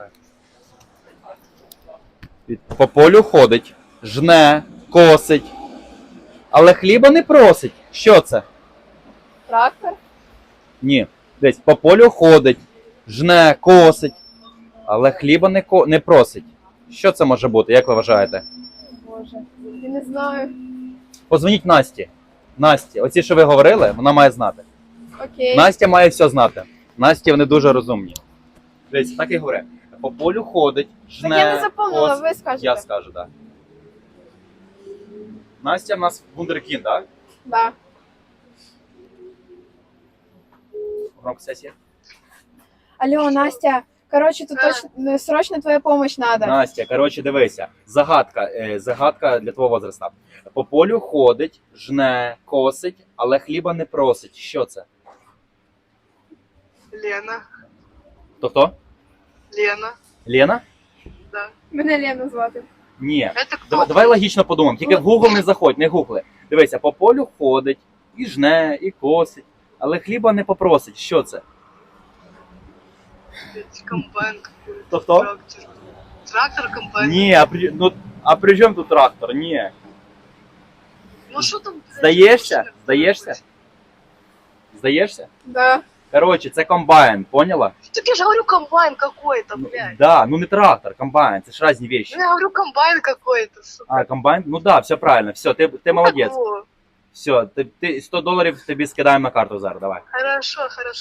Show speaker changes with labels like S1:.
S1: По полю ходить, жне, косить, але хліба не просить. Що це?
S2: Трактор?
S1: Ні. Десь по полю ходить, жне, косить, але хліба не просить. Що це може бути, як ви вважаєте?
S2: Боже, я не знаю.
S1: Позвоніть Насті. Насті, оці, що ви говорили, вона має знати.
S2: Окей.
S1: Настя має все знати. Насті, вони дуже розумні. Дивіться, так і говорю. По полю ходить, жне,
S2: Так я не запомнила,
S1: косить.
S2: ви скажете.
S1: Я скажу, так. Настя в нас вундеркінд, так?
S2: Да.
S1: Громко сесія.
S2: Алло, Настя, короче, тут точно, срочно твоя помощь надо.
S1: Настя, коротше, дивися. Загадка для твого возраста. По полю ходить, жне, косить, але хліба не просить. Що це?
S3: Лена.
S1: Хто?
S3: Лена.
S1: Лена?
S3: Да.
S2: Мене Лена звати.
S1: Ні.
S3: Это кто?
S1: Давай логічно подумаємо. Тільки в Google не заходь, не гугли. Дивися, по полю ходить, і жне, і косить, але хліба не попросить. Що це?
S3: Комбайн какой-то.
S1: Хто?
S3: Трактор. Трактор, комбайн.
S1: Ні, а при чому тут трактор? Ні.
S3: Ну что там?
S1: Здаєшся? Здаєшся? Здаєшся?
S2: Да.
S1: Коротше, це комбайн, поняла?
S3: Так я же говорю комбайн какой-то, блядь.
S1: Да, ну не трактор, комбайн, це ж різні вещи.
S3: Ну, я говорю комбайн какой-то, сука.
S1: А, комбайн? Ну да, все правильно, все, ти молодець.
S3: Какого?
S1: Все, $100 тобі скидаємо на карту зараз, давай.
S3: Хорошо, хорошо.